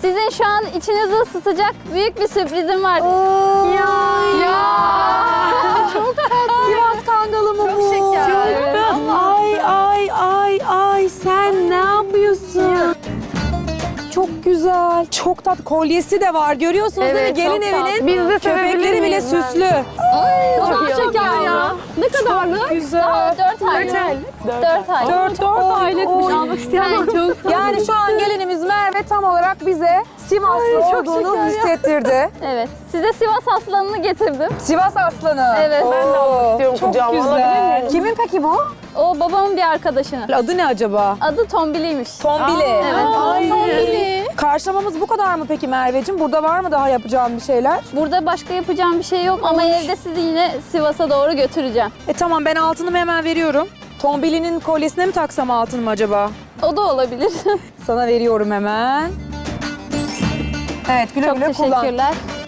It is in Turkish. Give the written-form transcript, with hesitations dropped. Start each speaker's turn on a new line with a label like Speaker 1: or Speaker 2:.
Speaker 1: Sizin şu an içinizi ısıtacak büyük bir sürprizim var.
Speaker 2: Ya. Çok tatlı. Sivas Kangalı mı bu?
Speaker 1: Çok şeker.
Speaker 2: Çok tatlı. Ay sen ne yapıyorsun? Çok güzel. Çok tatlı. Kolyesi de var. Görüyorsunuz değil mi?
Speaker 3: Evet,
Speaker 2: Gelin
Speaker 3: çok
Speaker 2: evinin
Speaker 3: tatlı. Biz de
Speaker 2: köpekleri
Speaker 3: sevebilir
Speaker 2: bile
Speaker 3: miyiz ben?
Speaker 2: süslü.
Speaker 1: Çok şeker ya.
Speaker 3: Ne kadarlık?
Speaker 2: Güzel.
Speaker 1: Daha 4 aylık. 4 aylık.
Speaker 2: 4 aylıkmış.
Speaker 3: Almak isteyen var. Çok
Speaker 2: Yani şu an gelinimiz Merve tam olarak bize Sivaslı
Speaker 3: çok
Speaker 2: olduğunu
Speaker 3: şeker ya.
Speaker 2: hissettirdi.
Speaker 1: Evet. Size Sivas aslanını getirdim.
Speaker 2: Sivas aslanı.
Speaker 1: Evet.
Speaker 2: Oo,
Speaker 3: Ben de almak istiyorum
Speaker 2: çok
Speaker 3: kucağıma, alabilir
Speaker 2: güzel.
Speaker 3: miyim?
Speaker 2: Kimin peki bu?
Speaker 1: O babamın bir arkadaşının.
Speaker 2: Adı ne acaba?
Speaker 1: Adı Tombili'ymiş.
Speaker 2: Tombili.
Speaker 1: Evet.
Speaker 2: Tombili. Karşılamamız bu kadar mı peki Merveciğim? Burada var mı daha yapacağım bir şeyler?
Speaker 1: Burada başka yapacağım bir şey yok ama evde sizi yine Sivas'a doğru götüreceğim.
Speaker 2: Tamam ben altınımı hemen veriyorum. Tombili'nin kolyesine mi taksam altınımı acaba?
Speaker 1: O da olabilir.
Speaker 2: Sana veriyorum hemen. Evet güle
Speaker 1: Çok
Speaker 2: güle kullan.
Speaker 1: teşekkürler.